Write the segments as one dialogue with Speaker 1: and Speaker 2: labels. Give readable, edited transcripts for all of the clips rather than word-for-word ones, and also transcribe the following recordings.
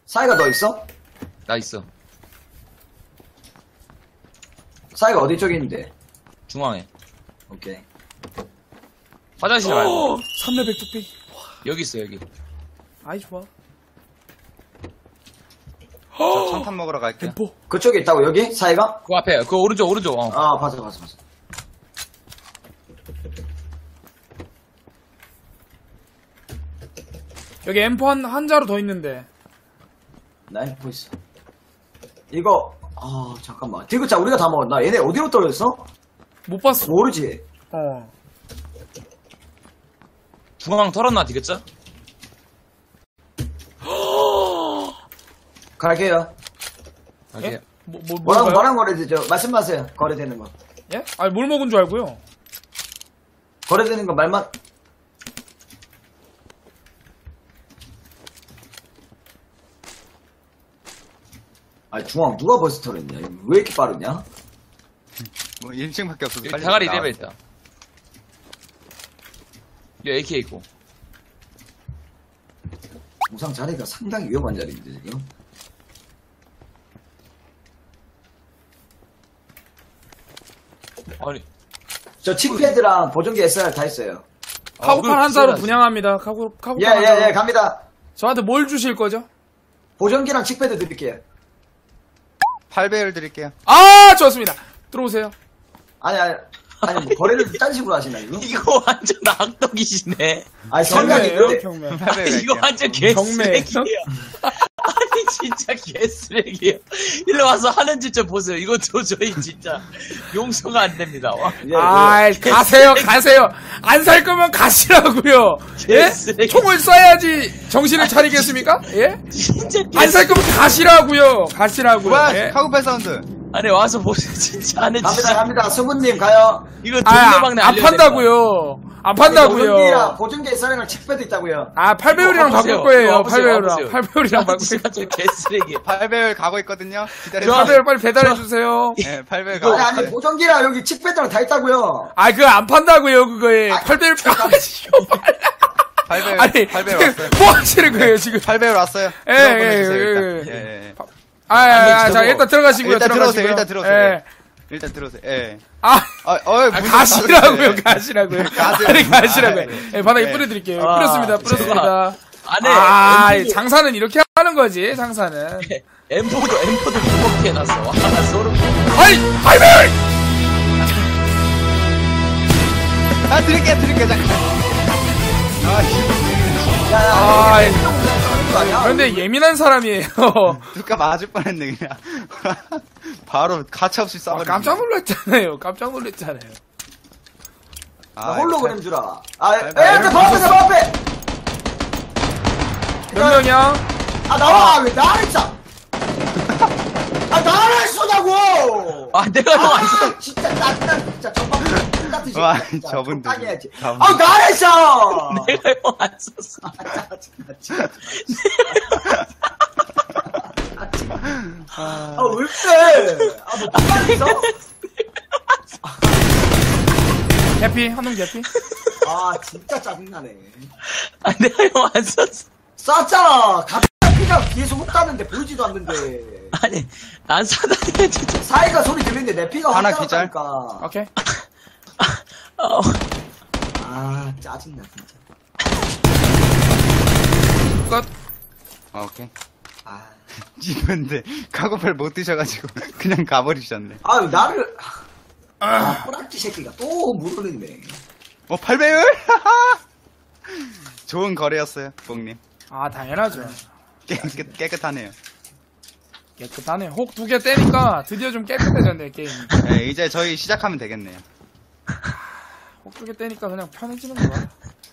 Speaker 1: 사이가 너 있어?
Speaker 2: 나 있어.
Speaker 1: 사이가 어디 쪽에 있는데?
Speaker 2: 중앙에.
Speaker 1: 오케이.
Speaker 2: 화장실 말고.
Speaker 3: 3레벨 뚝배기.
Speaker 2: 여기 있어, 여기.
Speaker 3: 아이, 좋아.
Speaker 4: 저 청탄 먹으러 갈게요.
Speaker 3: 엠포.
Speaker 1: 그쪽에 있다고, 여기? 사이가?
Speaker 2: 그 앞에, 그 오른쪽. 어.
Speaker 1: 아, 봤어.
Speaker 3: 여기 엠포 한 자루 더 있는데.
Speaker 1: 나 엠포 있어. 이거, 잠깐만. 디귿자, 우리가 다 먹었나? 얘네 어디로 떨어졌어?
Speaker 3: 못 봤어.
Speaker 1: 모르지.
Speaker 3: 어.
Speaker 2: 중앙 털었나, 디귿자?
Speaker 1: 갈게요.
Speaker 2: 오케이.
Speaker 1: 뭐랑 거래되죠? 말씀하세요. 거래되는 거.
Speaker 3: 예? 아니, 뭘 먹은 줄 알고요.
Speaker 1: 거래되는 거 말만. 아니, 중앙 누가 버스 털었냐? 왜 이렇게 빠르냐?
Speaker 4: 뭐 1층밖에 없어서
Speaker 2: 여기
Speaker 4: 빨리
Speaker 2: 대가리
Speaker 4: 나와.
Speaker 2: 레벨 있다. 여기 AK 있고.
Speaker 1: 우상 자리가 상당히 위험한 자리인데, 지금.
Speaker 2: 아니.
Speaker 1: 저 칙패드랑 보정기 SR 다 있어요.
Speaker 3: 카고팔 한 자루 분양합니다. 카고팔 한 자루.
Speaker 1: 예, 갑니다.
Speaker 3: 저한테 뭘 주실 거죠?
Speaker 1: 보정기랑 칙패드 드릴게요.
Speaker 4: 8배율 드릴게요.
Speaker 3: 아, 좋습니다. 들어오세요.
Speaker 1: 아니, 뭐 거래를 딴 식으로 하시나, 이거?
Speaker 2: 이거 완전 악덕이시네.
Speaker 1: 아니, 성향이
Speaker 3: 경매예요,
Speaker 1: 근데.
Speaker 3: 경매.
Speaker 4: 8배율
Speaker 2: 이거
Speaker 4: 할게요.
Speaker 2: 완전
Speaker 3: 경매.
Speaker 2: 개쓰레기예요. 아니 진짜 개쓰레기예요. 일로 와서 하는 짓 좀 보세요. 이거 도저히 진짜 용서가 안 됩니다. 와.
Speaker 1: 예,
Speaker 3: 아이, 가세요. 안 살 거면 가시라고요. 예?
Speaker 2: 개쓰레기.
Speaker 3: 총을 쏴야지 정신을 차리겠습니까? 예?
Speaker 2: 진짜
Speaker 3: 안 살 거면 가시라고요.
Speaker 4: 뭐야,
Speaker 3: 예?
Speaker 4: 카고팔 사운드.
Speaker 2: 아니 와서 보세요. 진짜 하는 짓.
Speaker 1: 갑니다. 수분님 가요.
Speaker 2: 이거
Speaker 3: 아,
Speaker 2: 동네방네
Speaker 3: 안 판다고요. 안 판다고요.
Speaker 1: 보정기 SR이랑 칙패드 있다고요.
Speaker 3: 아, 8배율이랑 바꿀 거예요. 8배율이랑. 8배율이랑 바꿀 거예요.
Speaker 2: 진짜 개쓰레기.
Speaker 4: 8배율 가고 있거든요. 기다려주세요.
Speaker 3: 8배율 빨리 배달해주세요.
Speaker 4: 네, 8배율 가고
Speaker 1: 아니,
Speaker 4: 있어요.
Speaker 1: 보정기랑 여기 칙패드랑 다 있다고요.
Speaker 3: 아, 그거 안 판다고요, 그거에. 8배율 펴가지고.
Speaker 4: 8배율,
Speaker 3: 아니,
Speaker 4: 8배율 왔어요.
Speaker 3: 뭐 하시는 거예요, 지금?
Speaker 4: 8배율 왔어요.
Speaker 3: 예,
Speaker 4: 들어가 보내주세요,
Speaker 3: 예,
Speaker 4: 일단.
Speaker 3: 예.
Speaker 4: 예.
Speaker 3: 자, 일단 들어가시고요.
Speaker 4: 일단 들어오세요,
Speaker 3: 들어가시고요.
Speaker 4: 일단 들어오세요.
Speaker 3: 예.
Speaker 4: 일단 들어오세요. 예.
Speaker 3: 가시라고요, 가시라고요.
Speaker 4: 가세요.
Speaker 3: 아니, 가시라고요.
Speaker 4: 아,
Speaker 3: 예, 바닥에
Speaker 4: 네.
Speaker 3: 뿌려드릴게요.
Speaker 2: 아,
Speaker 3: 뿌렸습니다.
Speaker 2: 안에
Speaker 3: 장사는 이렇게 하는 거지, 장사는.
Speaker 2: 엠포도 무겁게 해놨어. 와, 소름.
Speaker 3: 하이벨!
Speaker 4: 드릴게요, 잠깐.
Speaker 3: 그런데 예민한 사람이에요.
Speaker 4: 누가 맞을 뻔했네, 그냥. 바로 가차없이 쏴버리네.
Speaker 3: 깜짝 놀랐잖아요.
Speaker 1: 나 홀로그램 주라.
Speaker 4: 네.
Speaker 1: 바로 앞에!
Speaker 3: 몇 명이야?
Speaker 1: 나와! 왜 나를 쏴! 나를 쏘냐고!
Speaker 2: 내가 형 안 써.
Speaker 1: 진짜, 나 진짜 전방 같은 식.
Speaker 4: 와, 저분들.
Speaker 1: 해야지.
Speaker 4: 저분들.
Speaker 1: 나를 쏴!
Speaker 2: 내가 형 안 썼어.
Speaker 1: 왜 그래? 뭐, 누가 있어?
Speaker 3: 개피? 한놈 개피?
Speaker 1: 진짜 짜증나네.
Speaker 2: 내가 형 안 썼어.
Speaker 1: 쐈잖아! 갑자기 피가 뒤에서 훅 따는데 보이지도 않는데.
Speaker 2: 아니, 안 사다니까, 진짜.
Speaker 1: 사이가 소리 들리는데 내 피가
Speaker 4: 하나
Speaker 1: 확
Speaker 4: 기절?
Speaker 1: 따랐다니까.
Speaker 3: 오케이.
Speaker 1: 짜증나, 진짜.
Speaker 3: 끝.
Speaker 4: 오케이. 이분들 카고팔 못 드셔가지고 그냥 가버리셨네.
Speaker 1: 나를. 꼬락지 새끼가 또 물어내네.
Speaker 4: 8배율? 좋은 거래였어요, 뽕님.
Speaker 3: 당연하죠.
Speaker 4: 깨끗하네요.
Speaker 3: 깨끗하네. 혹 2개 떼니까 드디어 좀 깨끗해졌네, 게임.
Speaker 4: 네, 이제 저희 시작하면 되겠네요.
Speaker 3: 혹 2개 떼니까 그냥 편해지는 거야.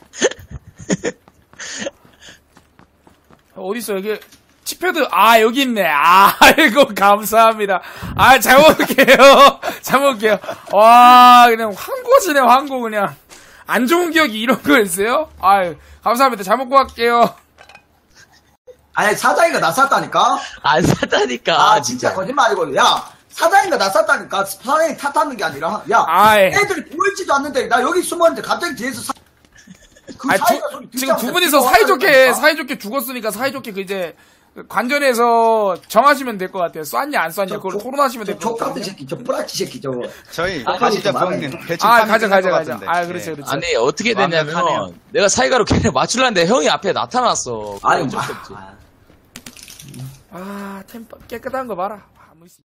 Speaker 3: 어딨어, 여기. 칙패드, 여기 있네. 아이고, 감사합니다. 잘 먹을게요. 와, 그냥 황고지네, 황고, 그냥. 안 좋은 기억이 이런 거였어요? 감사합니다. 잘 먹고 갈게요.
Speaker 1: 아니, 사장이가 나 쐈다니까?
Speaker 2: 안 사다니까.
Speaker 1: 진짜 거짓말이고. 야, 사장이가 나 쐈다니까. 사장이 탓하는 게 아니라. 야, 애들이 보이지도 않는데, 나 여기 숨었는데 갑자기 뒤에서 그
Speaker 3: 아니,
Speaker 1: 사이가 소리 듣지
Speaker 3: 지금 두
Speaker 1: 않았어요.
Speaker 3: 분이서 사이좋게 죽었으니까 사이좋게 그 이제 관전에서 정하시면 될 것 같아요. 쐈냐 안 쐈냐 그걸 토론하시면 될 것
Speaker 1: 족같은
Speaker 3: 같아요.
Speaker 1: 새끼, 저 뿌라치 새끼 저거.
Speaker 4: 저희
Speaker 1: 아니,
Speaker 4: 가시죠
Speaker 1: 좀
Speaker 4: 부엉님. 배치
Speaker 3: 아
Speaker 4: 파밍
Speaker 3: 가자.
Speaker 4: 끝날 것 같은데.
Speaker 3: 아 그렇죠
Speaker 4: 예.
Speaker 3: 그렇죠.
Speaker 2: 아니 어떻게 됐냐면
Speaker 4: 완벽하네요.
Speaker 2: 내가 사이가로 걔네 맞추려는데 형이 앞에 나타났어.
Speaker 1: 아니,
Speaker 2: 어쩔 수 없지.
Speaker 3: 아 템po 깨끗한 거 봐라.